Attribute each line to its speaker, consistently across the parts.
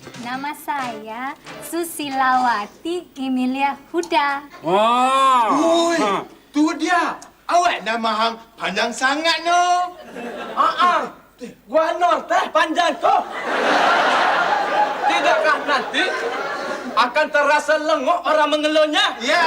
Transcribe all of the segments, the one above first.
Speaker 1: Nama saya Susilawati Emilia Huda.
Speaker 2: Ui, tu dia. Awak nama hang panjang sangat no.
Speaker 3: Gua non teh panjang kok. Tidakkah nanti akan terasa lengok orang mengeluhnya?
Speaker 2: Ya.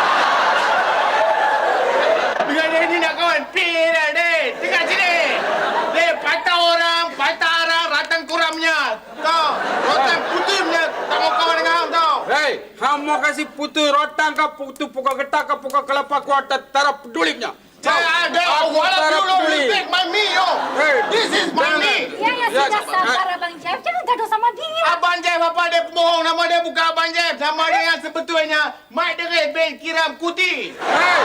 Speaker 2: Dengan ini nak kawan, pilih deh. Tengok sini. Deh, patah orang, ratang kuramnya. Tahu? Rotan putihnya tak mau kawan dengan hang tahu.
Speaker 4: Hei, hang mau kasih putu rotan ke putu pukul getak ke pukul kelapa kuat tak pedulipnya.
Speaker 2: Saya ada. Walau you take my me, yo.
Speaker 4: Hey,
Speaker 2: This is my me.
Speaker 1: Ya, sudah sabar Abang Jeff. Jangan gaduh sama dia.
Speaker 2: Abang Jeff apa dia pembohong? Nama dia bukan Abang Jeff. Nama dia yang sebetulnya Mak Derit bin Kiram Kuti.
Speaker 4: Hei.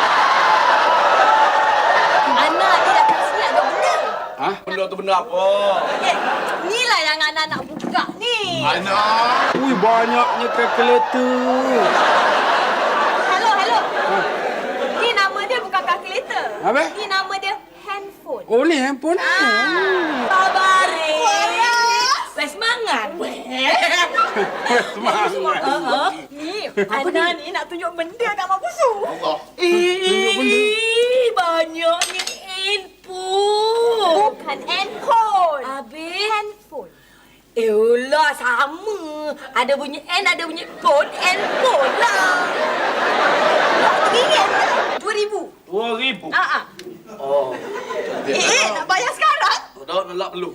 Speaker 5: Anak ni datang sini ada benda.
Speaker 4: Hah?
Speaker 3: Benda tu benda apa?
Speaker 5: Inilah yang anak nak buka ni.
Speaker 2: Anak.
Speaker 4: Ui, banyaknya kalkulator.
Speaker 5: Hello. Ni nama dia bukan kalkulator.
Speaker 4: Apa?
Speaker 5: Ni nama dia handphone.
Speaker 4: Oh, ni handphone ni.
Speaker 5: Sabar. Wes semangat.
Speaker 4: Semangat.
Speaker 5: Ni, anak ni nak tunjuk benda kat Mak Busu.
Speaker 2: Allah.
Speaker 5: Banyaknya handphone. Bukan handphone. Habis? Handphone. Elah, sama. Ada bunyi N, ada bunyi phone. Handphone lah. RM1 2,000.
Speaker 3: 2,000.
Speaker 5: Oh. Nak bayar sekarang?
Speaker 3: Tak nak perlu.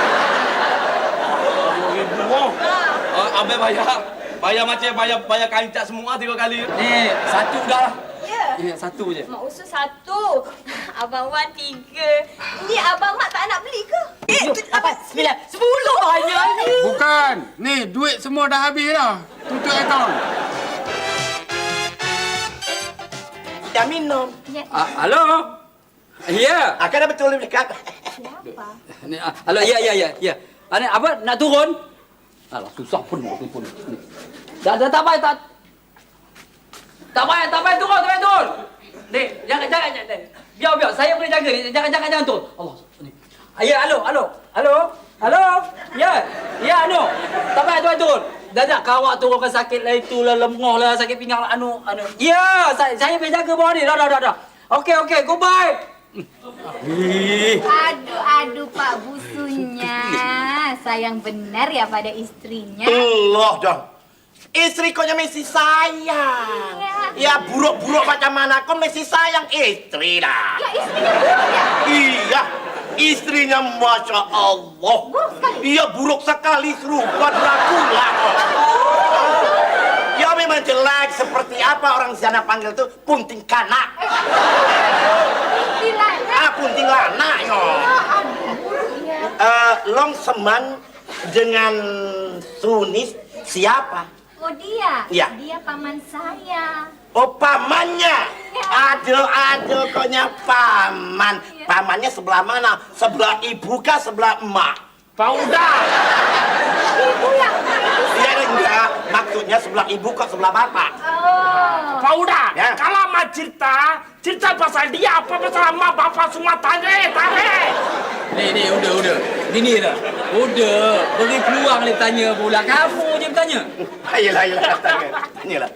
Speaker 3: 2,000 oh. Abang bayar macam bayar kancak semua 3 kali.
Speaker 6: Ni, satu dah lah.
Speaker 5: Ya.
Speaker 6: Ya, satu je.
Speaker 5: Mak Usus 1. Abang Wan 3. Ni Abang Mak tak nak beli ke? 8, 9, 10 banyak ni.
Speaker 4: Bukan. Ni, duit semua dah habis dah. Tutup akaun.
Speaker 3: Dah minum.
Speaker 1: Ya.
Speaker 6: Halo? Ya.
Speaker 3: Akan dah betul ni dekat.
Speaker 1: Siapa?
Speaker 6: Ni, halo, ya. Ni, apa, nak turun? Alah, susah pun nak telefon. Ni. Tak payah, tak payah turun. Ni, jangan. Biar. Saya boleh jaga ni. Jangan turun. Allah. Ni. Ya, halo. Ya, anu. Tak payah turun. Dah kawak turun kan sakit lah itulah, lemah lah, sakit pinggang lah, anu. Ya, saya boleh jaga bawah ni. Dah. Okey, goodbye.
Speaker 1: Aduh Pak Busunya. Sayang benar ya pada istrinya.
Speaker 3: Allah dah. Isteri kau yang mesti sayang. Ya buruk-buruk macam mana kau mesti sayang isteri dah.
Speaker 1: Ya, istrinya buruk ya?
Speaker 3: Iya. Istrinya Masya Allah.
Speaker 1: Buruk sekali.
Speaker 3: Iya buruk sekali serupa Dracula. Ya memang jelek seperti apa orang sana panggil tu punting kanak.
Speaker 1: Istilahnya.
Speaker 3: Punting lana yo.
Speaker 1: Aduh, buruk ya.
Speaker 3: Long Seman dengan Sunis siapa?
Speaker 1: Oh dia?
Speaker 3: Iya.
Speaker 1: Dia paman saya.
Speaker 3: Oh pamannya. Aduh koknya paman.
Speaker 1: Iya.
Speaker 3: Pamannya sebelah mana? Sebelah ibu kah sebelah emak?
Speaker 2: Pauda.
Speaker 1: Ibu yang
Speaker 3: Iya enggak. Maksudnya sebelah ibu kok sebelah bapak?
Speaker 1: Oh.
Speaker 2: Pauda.
Speaker 3: Ya.
Speaker 2: Kalau mak cerita pasal dia apa pasal mak bapak semua tarik.
Speaker 6: Ni, udah. Gini dah. Udah. Beri peluang dia tanya pula. Kamu je bertanya.
Speaker 3: Ayolah, tanyalah.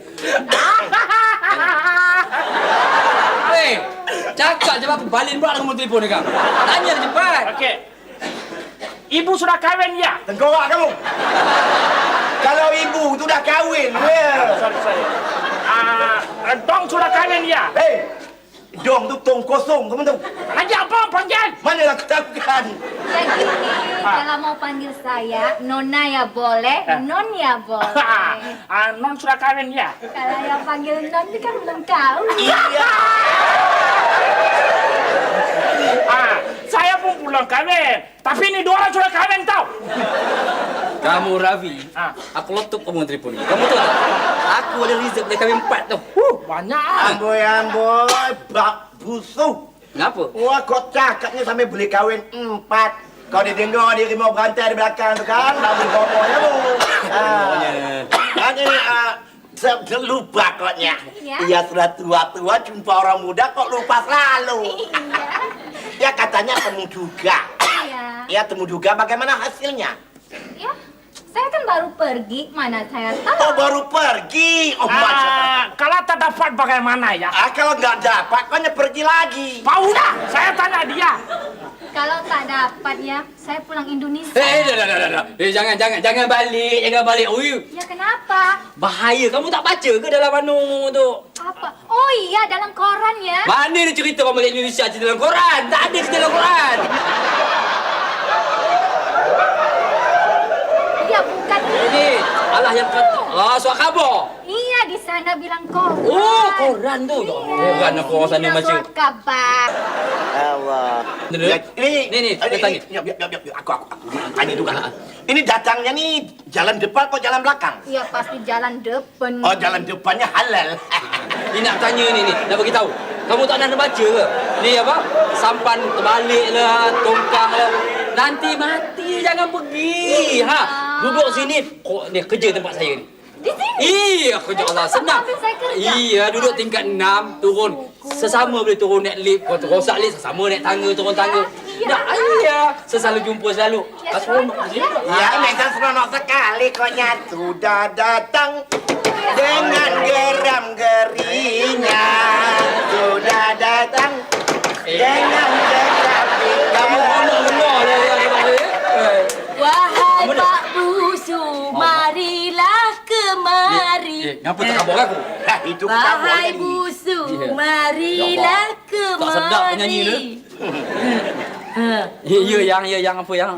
Speaker 6: Hei, cakap je apa? Balin pula nombor telefon dia kau. Tanya dia cepat.
Speaker 2: Okey. Ibu sudah kahwin ya?
Speaker 3: Tengkorak kamu. Kalau ibu tu dah kahwin,
Speaker 2: Sorry. Dong sudah kahwin ya?
Speaker 3: Hei, dong tu tong kosong, kamu tahu?
Speaker 2: Lagi apa panggil?
Speaker 3: Mana aku tahu kan?
Speaker 1: Ya gini, kalau mau panggil saya, Nona ya boleh, Non ya boleh.
Speaker 2: Non sudah kahwin ya?
Speaker 1: Kalau yang panggil Non itu kan belum tahu.
Speaker 3: Iya.
Speaker 2: Saya pun belum kahwin. Tapi ini 2 orang sudah kahwin tau.
Speaker 6: Kamu Ravi, aku letup kamu telefon ni. Kamu tahu tak? Aku ada result dia kahwin 4 tu.
Speaker 2: Banyak.
Speaker 3: Amboi, bak busuk.
Speaker 6: Kenapa?
Speaker 3: Wah, kau cakapnya sampai boleh kahwin 4. Kau dia dengar dia rimau berantai di belakang tu kan? Tak boleh ngomongnya tu. Hanya saya lupa koknya.
Speaker 1: Iya.
Speaker 3: Ia sudah tua-tua jumpa orang muda kok lupa selalu.
Speaker 1: Iya.
Speaker 3: Ya katanya temu juga.
Speaker 1: Iya.
Speaker 3: Ya temu juga bagaimana hasilnya?
Speaker 1: Ya, Saya kan baru pergi, mana saya tahu.
Speaker 3: Oh, baru pergi. Oh, Masya Allah.
Speaker 7: Kalau tak dapat bagaimana ya?
Speaker 3: Kalau nggak dapat, kau pergi lagi.
Speaker 7: Pak udah, saya tanya dia.
Speaker 1: Kalau tak dapat ya, saya pulang Indonesia.
Speaker 6: Dah. Jangan balik. Ui,
Speaker 1: Ya kenapa?
Speaker 6: bahaya. Kamu tak baca ke dalam anu tu?
Speaker 1: Apa? Oh iya, dalam koran ya.
Speaker 6: Mana dia cerita kau balik Indonesia cerita dalam koran? Tak ada cerita dalam koran.
Speaker 1: Ya bukan
Speaker 6: Ini Allah yang kata. Surat khabar.
Speaker 1: Iya, di sana bilang koran.
Speaker 6: Oh, koran tu. Koran apa orang sana
Speaker 1: Bilang
Speaker 6: baca.
Speaker 1: surat kabar.
Speaker 3: Allah.
Speaker 6: Ni.
Speaker 3: Aku tanya juga. Ini datangnya nih jalan depan atau jalan belakang?
Speaker 1: Iya, pasti jalan depan.
Speaker 3: Oh, jalan depannya halal.
Speaker 6: Ni nak tanya ni, nak bagi tahu. Kamu tak nak baca ke? Ni apa? Sampan terbalik lah, tongkang lah. Nanti mati, jangan pergi. Ha, duduk sini. Kok ni kerja tempat saya ni.
Speaker 1: Di sini?
Speaker 6: Iya, kerja Allah senang.
Speaker 1: Habis saya kerja.
Speaker 6: Iya, duduk tingkat 6, turun. Sesama boleh turun naik lift. Kau rosak lift, sesama naik tangga, turun tangga.
Speaker 1: Ya.
Speaker 6: Dah, iya. Selalu jumpa selalu.
Speaker 1: Ya,
Speaker 6: Seronok
Speaker 1: seronok,
Speaker 6: sini.
Speaker 1: ya.
Speaker 3: Ya, memang seronok sekali koknya sudah datang dengan geram gerinya. Sudah datang dengan geram
Speaker 6: Kamu honor lah yang
Speaker 5: Wahai Pak Busu, marilah kemari.
Speaker 6: Ngapa tak kabur aku?
Speaker 3: Itu
Speaker 5: Wahai Busu, marilah
Speaker 6: Tak sedap penyanyi
Speaker 5: kemari.
Speaker 6: Ya, yang apa yang?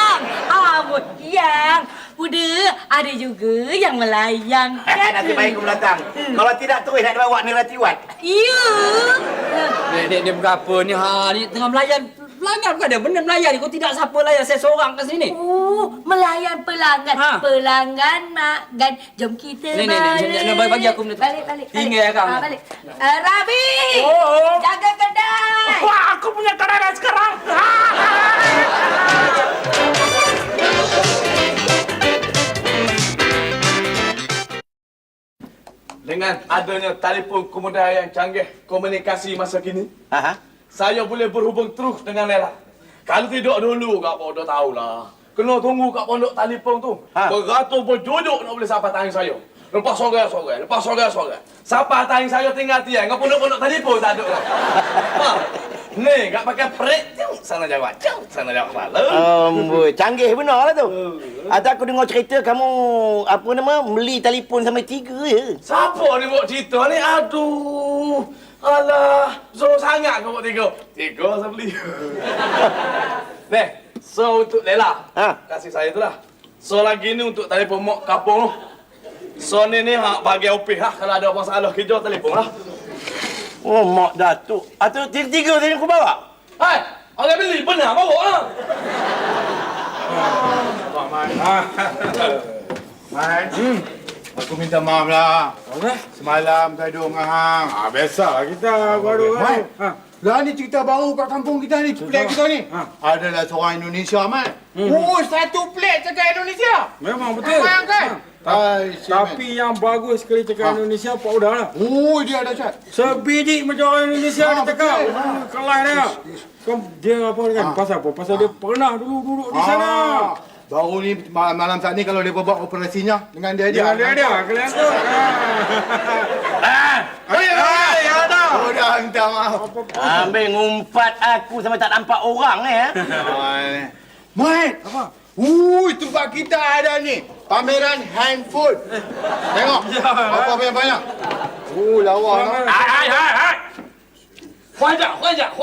Speaker 5: Yang udah ada juga yang melayang.
Speaker 3: Nanti baik aku datang. Kalau tidak terus nak bawa ni Ratiwat.
Speaker 5: Ya.
Speaker 6: Dia bukan apa ni? Ha, ni tengah melayan. Pelanggan bukan ada. Benar melayan ni. Kau tidak siapa layan. Saya seorang kat sini.
Speaker 5: Melayan pelanggan.
Speaker 6: Ha.
Speaker 5: Pelanggan makan. Jom kita
Speaker 6: Ni, bagi aku benda tu.
Speaker 5: Balik.
Speaker 6: Tinggal kau.
Speaker 5: Balik. Rabi!
Speaker 7: Oh.
Speaker 5: Jaga kedai!
Speaker 7: Wah, aku punya kedai sekarang.
Speaker 2: Dengan adanya telefon kemudahan yang canggih komunikasi masa kini, saya boleh berhubung terus dengan Lela. Kalau tidak dulu, Kak Pondok tahulah. Kena tunggu Kak Pondok telefon tu. Beratur berjodok nak boleh sampai tangan saya. Lepas sore. Sampai tangan saya tinggal tiang. Kak Pondok telefon tak ada lah. Ni, Kak pakai perik. Sana jawab. Sana jawab malam.
Speaker 3: Canggih benar lah tu. Atau aku dengar cerita kamu apa nama beli telefon sampai 3 je.
Speaker 2: Siapa ni buat cerita ni? Aduh. Alah, so sangat kau buat 3. 3 saya beli. Nih, so untuk Lela. Kasih saya tu lah. So lagi ni untuk telefon mak kapung tu. So ni hak bagi opih lah. Kalau ada masalah kerja telefon lah.
Speaker 3: Oh, mak Datuk. Atau 3 tadi aku bawa?
Speaker 2: Hai, orang beli benar bawa lah.
Speaker 8: Man, aku minta maaf lah. Semalam gaduh dengan hang.
Speaker 4: Biasalah kita baru.
Speaker 8: Man, lah ni cerita baru kat kampung kita ni, pelik kita ni. Adalah seorang Indonesia, Man. Oh, satu pelik cakap Indonesia.
Speaker 4: Memang betul.
Speaker 8: Faham kan?
Speaker 4: Tapi yang bagus sekali cakap Indonesia Pak Udah lah.
Speaker 8: Oh, dia ada cat.
Speaker 4: Sebiji macam orang Indonesia dia cakap.
Speaker 8: betul.
Speaker 4: Kelas dia. Dia apa kan? Pasal apa? Pasal dia pernah dulu duduk di sana.
Speaker 8: Baru ni malam saat ni kalau dia buat operasinya dengan dia
Speaker 4: Dia kalian tu.
Speaker 8: Oh, dah minta maaf.
Speaker 3: Ambil ngumpat aku sampai tak nampak orang ni
Speaker 8: Mat, apa? Tempat kita ada ni. Pameran handphone. Tengok. Apa banyak-banyak. Lawa.
Speaker 2: Hai. Huajak.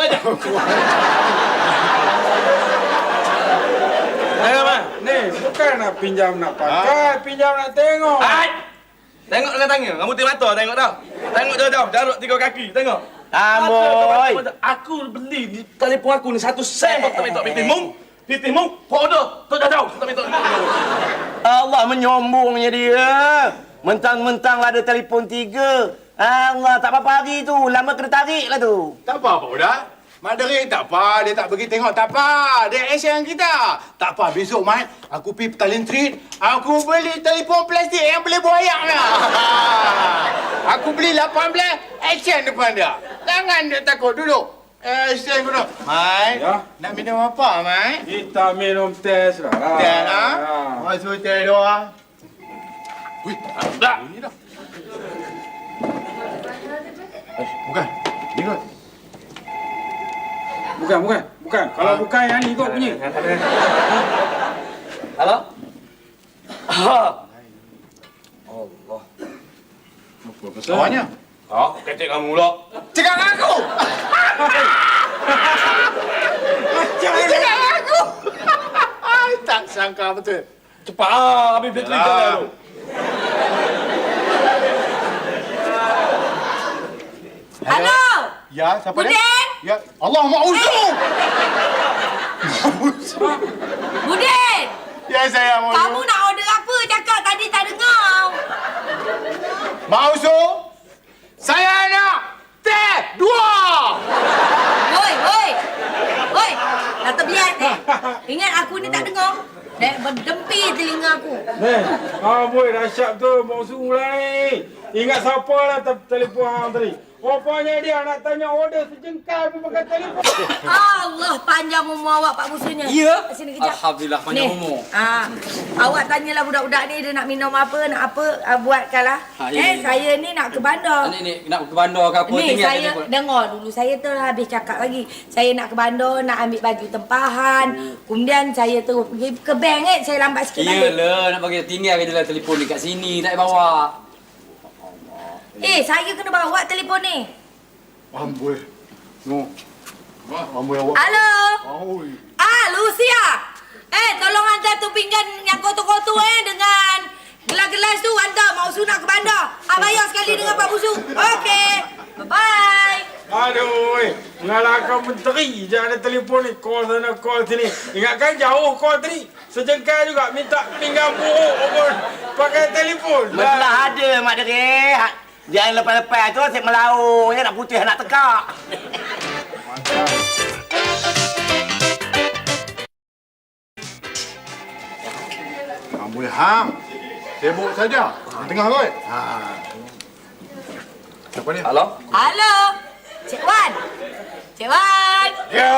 Speaker 4: Tengok man. Ni bukan nak pinjam nak pakai, pinjam nak tengok.
Speaker 2: Hai. Tengok dengan tangan. Rambut mata tengok dah. Tengok jauh-jauh. Jaruk 3 kaki. Tengok.
Speaker 3: Amboi.
Speaker 2: Aku beli di telefon aku ni 1 sen. Tak minta Pitih mung. Podo. Tu jauh. Tak minta.
Speaker 3: Allah menyombongnya dia. Mentang-mentang ada telefon 3. Allah, tak apa-apa hari tu. Lama kena tarik lah tu.
Speaker 8: Tak apa dah. Mak Derik tak apa, dia tak pergi tengok tak apa. Dia action kita. Tak apa, besok Mat, aku pergi Petaling Street, aku beli telefon plastik yang boleh buayak lah. Aku beli 18 action depan dia. Jangan dia takut, duduk. Sen guna. Mai.
Speaker 4: Ya.
Speaker 8: Nak minum apa, Mai?
Speaker 4: Kita minum teh lah.
Speaker 8: Teh lah. Masuk teh doa. Wih,
Speaker 2: Dah.
Speaker 8: ini dah. Bukan. Ini kot.
Speaker 4: Bukan. Kalau bukan yang ni kau punya.
Speaker 2: Halo? Allah.
Speaker 8: Awaknya.
Speaker 2: Ah, kecek kamu pula.
Speaker 8: Cakap dengan aku. Cakap dengan aku. Tak sangka betul.
Speaker 2: Cepat ah, habis bateri kau dah tu.
Speaker 5: Halo.
Speaker 8: Ya, siapa dia?
Speaker 5: Budin?
Speaker 8: Ya, Allah ma'uzu.
Speaker 5: Budin,
Speaker 8: Ya, saya mau.
Speaker 5: kamu nak order apa? Cakap tadi tak dengar.
Speaker 8: Ma'uzu. Saya nak teh 2.
Speaker 5: Woi. Dah terbiar ni. Ingat aku ni tak dengar. Dah berdempi telinga aku.
Speaker 4: Boy, dahsyat tu. Mau suruh lah ni. Ingat siapa lah telefon hang tadi? Rupanya dia nak tanya order sejengkal pun pakai telefon.
Speaker 5: Allah, panjang umur awak Pak Busunya.
Speaker 6: Ya.
Speaker 5: Sini kejap.
Speaker 6: Alhamdulillah panjang
Speaker 5: Ni,
Speaker 6: umur.
Speaker 5: awak tanyalah budak-budak ni dia nak minum apa, nak apa, buatkanlah.
Speaker 6: Ya.
Speaker 5: Saya ni nak ke bandar.
Speaker 6: Ni nak ke bandar ke apa?
Speaker 5: Ni
Speaker 6: tinggal
Speaker 5: saya
Speaker 6: telefon.
Speaker 5: dengar dulu, saya telah habis cakap lagi. Saya nak ke bandar, nak ambil baju tempahan. Kemudian saya terus pergi ke bank saya lambat sikit balik.
Speaker 6: Iyalah, nak bagi tinggal je lah telefon dekat sini, tak payah bawa.
Speaker 5: Saya kena bawa telefon ni.
Speaker 8: Amboi. No. Amboi awak.
Speaker 5: Halo.
Speaker 8: Oi.
Speaker 5: Lucia. Tolong hantar tu pinggan yang kotor-kotor dengan gelas-gelas tu hantar. Mau nak ke bandar. Bayar sekali dengan Pak Busu. Okey. Bye-bye.
Speaker 4: Aduh, ngalahkan menteri je ada telefon ni. Call sana, call sini. Ingatkan jauh call tadi. Sejengkal juga minta pinggan buruk pun pakai telefon.
Speaker 3: Belah ada, Mak Dere. Jangan lepas-lepas tu asyik melaung. Nak putih, nak tekak.
Speaker 8: Amboi hang. Sibuk saja. Tengah kot. Siapa dia?
Speaker 2: Halo?
Speaker 5: Halo. Cik Wan. Cik Wan.
Speaker 8: Ya.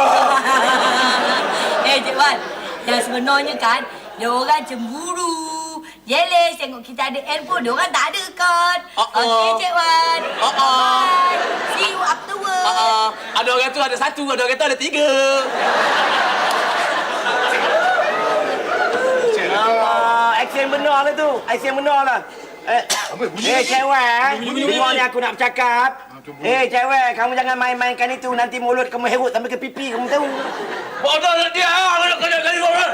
Speaker 5: Cik Wan. Yang sebenarnya kan, dia orang cemburu. Jealous tengok kita ada handphone, dia orang tak ada kan. Okey, Cik Wan. Bye. See you afterwards.
Speaker 2: Ada orang tu ada 1, ada orang tu ada 3.
Speaker 3: Action benar lah tu. Action benar lah. Cewek. Dengar ni aku nak bercakap. Cewek, kamu jangan main-mainkan itu. Nanti mulut kamu herut sampai ke pipi, kamu tahu.
Speaker 2: Bodoh nak dia. Nak kena kali orang.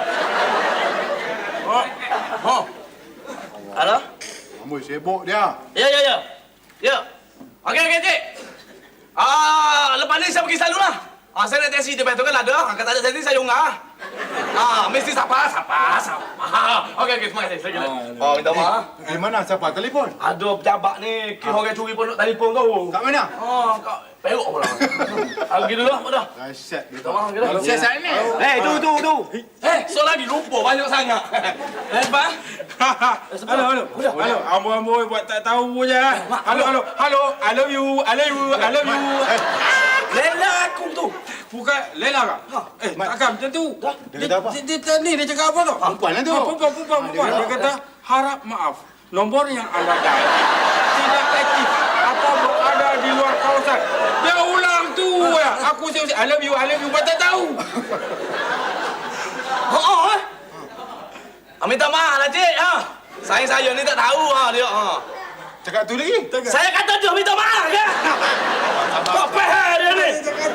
Speaker 2: Halo?
Speaker 8: Amboi sibuk dia.
Speaker 2: Ya. Okey, cik. Lepas ni saya pergi selalu lah. Saya naik taksi depan tu kan ada. Kalau tak ada taksi saya unggah. Mesti sapa. Okey, terima kasih. Saya kira. Minta maaf.
Speaker 8: Di mana siapa telefon?
Speaker 2: Ada pejabat ni. Kira orang curi pun nak telefon kau.
Speaker 8: Kat mana?
Speaker 2: Kau peruk pula. Pergi dulu lah, dah.
Speaker 8: Dahsyat dia.
Speaker 2: Minta maaf kita.
Speaker 8: Siasat ni.
Speaker 3: Tu.
Speaker 2: So lagi lupa banyak sangat. Bang.
Speaker 4: Halo. Amboi buat tak tahu je. Halo. I love you.
Speaker 2: Lela aku tu.
Speaker 4: Bukan Lela kah? Takkan macam tu.
Speaker 8: Dia kata apa?
Speaker 4: Dia cakap apa tu?
Speaker 8: Perempuan lah tu.
Speaker 4: Perempuan. Dia kata, harap maaf. Nombor yang anda dial tidak aktif atau berada di luar kawasan. Dia ulang tu ya. Aku usik I love you. Buat tak tahu.
Speaker 2: Minta maaf lah, cik. Saya ni tak tahu dia.
Speaker 8: Cakap tu lagi.
Speaker 2: Saya kata dia minta maaf ke? Kau faham dia ni?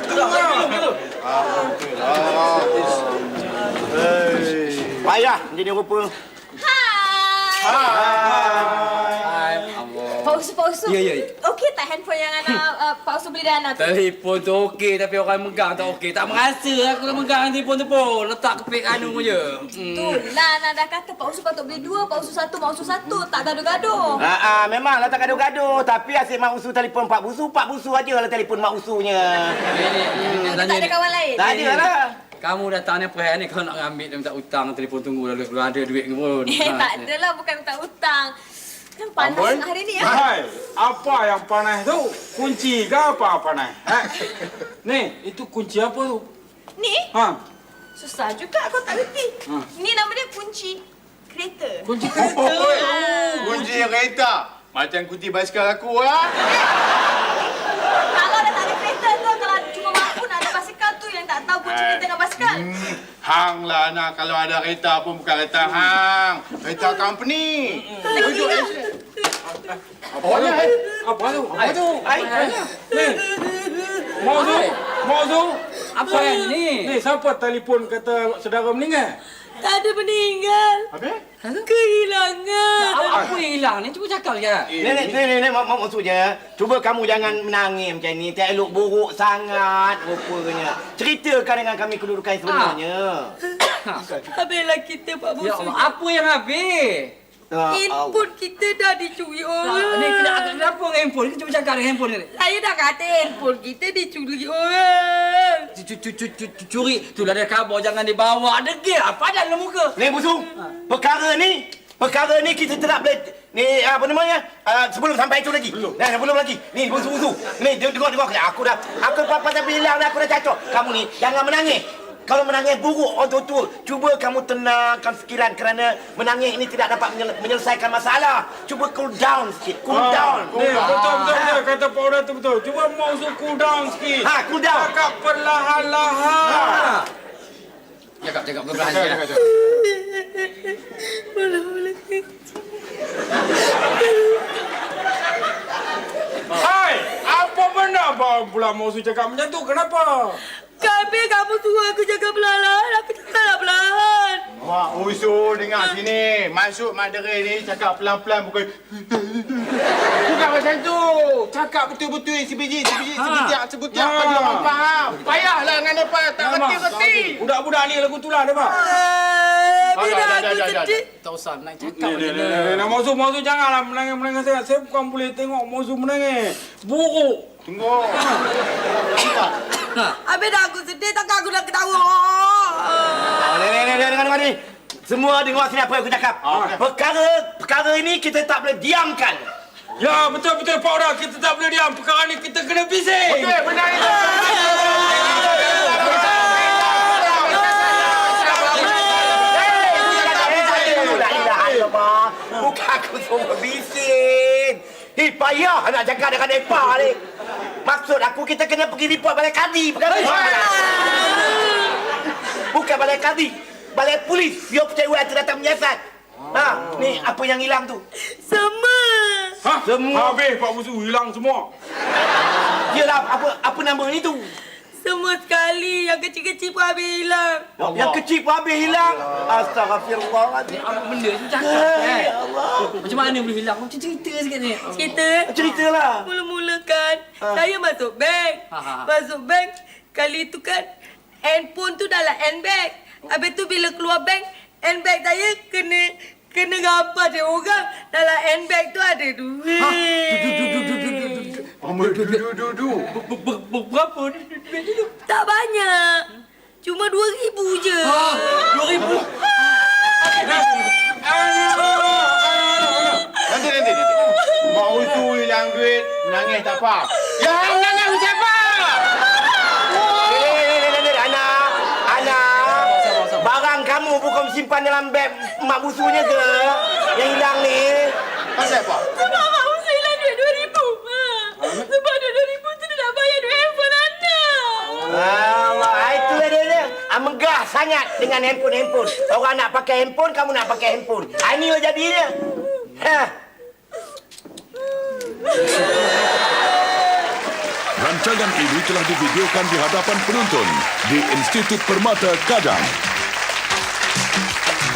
Speaker 3: Payah jadi rupa.
Speaker 5: Pak Usu.
Speaker 6: Ya.
Speaker 5: Okey tak handphone yang anak Pak Usu beli dah anak tu?
Speaker 6: Telefon tu okey tapi orang megang tak okey. Tak merasa aku dah megang telefon tu pun. Letak kepik anu je.
Speaker 5: Itulah Nak dah kata Pak Usu patut beli 2, Pak Usu 1, Mak Usu 1. Tak gaduh-gaduh.
Speaker 3: Memanglah tak gaduh-gaduh. Tapi asyik Mak Usu telefon Pak Busu aja lah telefon Mak Usunya.
Speaker 5: Tak ada kawan lain?
Speaker 3: Tak ada lah.
Speaker 6: Kamu datang ni perhatian ni kau nak ambil dia minta hutang telefon tunggu lalu belum ada duit ke pun.
Speaker 5: Tak adalah, bukan minta hutang. Kan panas hari ni ya.
Speaker 4: Hai, apa yang panas tu? Kunci ke apa panas? Ni, itu kunci apa tu?
Speaker 5: Ni
Speaker 4: Ha?
Speaker 5: susah juga aku tak reti. Ni nama dia kunci kereta.
Speaker 4: Kunci kereta.
Speaker 8: Kunci kereta. Macam kunci basikal aku lah.
Speaker 5: Kalau dah tak ada kereta tu, kalau cuma mampu nak ada basikal tu yang tak tahu kunci kereta dengan basikal.
Speaker 8: Hang lah nak kalau ada kereta pun bukan kereta hang. Kereta company. Duduk
Speaker 4: Apa tu? Apa tu? Apa tu? Ni. Mau tu?
Speaker 6: Apa yang ni?
Speaker 4: Ni siapa telefon kata saudara meninggal?
Speaker 5: Tak ada meninggal.
Speaker 8: Habis?
Speaker 5: Kehilangan.
Speaker 6: Apa yang hilang ni? Cuba cakap je.
Speaker 3: Ni, maksudnya, cuba kamu jangan menangis macam ni. Tak elok buruk sangat rupanya. Ceritakan dengan kami kedudukan sebenarnya.
Speaker 5: Habislah kita Pak
Speaker 6: Ya
Speaker 5: Bos.
Speaker 6: Allah, apa yang habis?
Speaker 5: Handphone kita dah dicuri orang.
Speaker 6: Ni kenapa dengan handphone? Cuba cakap dengan handphone ni.
Speaker 5: Saya dah kata handphone kita dicuri orang.
Speaker 6: Curi. Itulah dia khabar jangan dibawa. Degil apa dalam muka?
Speaker 3: Ni Busung, perkara ni kita tidak boleh ni apa namanya? Sebelum sampai itu lagi. Sebelum lagi. Ni Busung. Ni tengok aku pasal bilang dah aku dah cacok. Kamu ni jangan menangis. Kalau menangis buruk orang tua, cuba kamu tenangkan fikiran kerana menangis ini tidak dapat menyelesaikan masalah. Cuba cool down sikit, cool down.
Speaker 4: Ni, betul. Kata Pak Orang tu betul. Cuba mau cool down sikit.
Speaker 3: Cool down.
Speaker 4: Cakap perlahan-lahan.
Speaker 6: Cakap perlahan sikit.
Speaker 4: Hai, apa benda pula mau cakap macam tu? Kenapa?
Speaker 5: Kami kamu suruh aku jaga perlahan. Aku cakaplah perlahan.
Speaker 8: Mak usul dengar sini. Maksud Mak Dere ni cakap pelan-pelan bukan... Bukan macam tu. Cakap betul-betul sebiji. Sebutiak bagi orang faham. Payahlah dengan mereka. Tak reti-reti.
Speaker 4: Budak-budak ni lagu tu lah, dia Pak.
Speaker 5: Bila aku sedih.
Speaker 6: Tak usah nak cakap
Speaker 4: Ni,
Speaker 6: je.
Speaker 4: nak Mozu janganlah menangis sangat. Saya bukan boleh tengok Mozu menangis. Buruk.
Speaker 8: Tunggu.
Speaker 5: Habis dah aku sedih, takkan aku dah ketawa.
Speaker 3: Dengar ni. Semua dengar sini apa yang aku cakap. Perkara ini kita tak boleh diamkan.
Speaker 4: Ya, betul Pak Orang. Kita tak boleh diam. Perkara ni kita kena bising.
Speaker 8: Okey, benar itu.
Speaker 3: Bukan aku suruh bising. Payah nak cakap dengan mereka ni. Maksud aku kita kena pergi report balai kadi. Bukan balai kadi. Balai polis. Biar percaya itu datang menyiasat. Ni apa yang hilang tu?
Speaker 5: Semua.
Speaker 3: Semua.
Speaker 4: Habis Pak Busu hilang semua.
Speaker 3: Yelah, apa nama ni tu?
Speaker 5: Semua sekali. Yang kecil-kecil pun habis hilang.
Speaker 3: Yang kecil pun habis hilang. Astaghfirullahaladzim.
Speaker 6: Apa benda tu cakap kan?
Speaker 3: Ya Allah.
Speaker 6: Macam mana boleh hilang? Macam cerita sikit ni.
Speaker 3: Ceritalah.
Speaker 5: Mula-mula kan, saya masuk bank. Masuk bank, kali tu kan, handphone tu dalam handbag. Habis tu bila keluar bank, handbag saya kena gambar dia orang. Dalam handbag tu ada duit.
Speaker 6: Berapa?
Speaker 5: Tak banyak. Cuma 2,000 je.
Speaker 6: 2,000?
Speaker 8: Nanti. Mak usul hilang duit, menangis tak apa. Yang menangis siapa?
Speaker 3: Anak. Barang kamu bukan simpan dalam beg mak busunya ke? Yang hilang ni.
Speaker 8: Pasal apa?
Speaker 5: Sebab Mak Musa hilang duit 2,000. Sebab duit 2,000 tu dia nak bayar duit handphone anak.
Speaker 3: Allah, itulah dia. Megah sangat dengan handphone. Orang nak pakai handphone, kamu nak pakai handphone. Inilah jadinya.
Speaker 9: Rancangan ini telah divideokan di hadapan penonton di Institut Permata Kadang.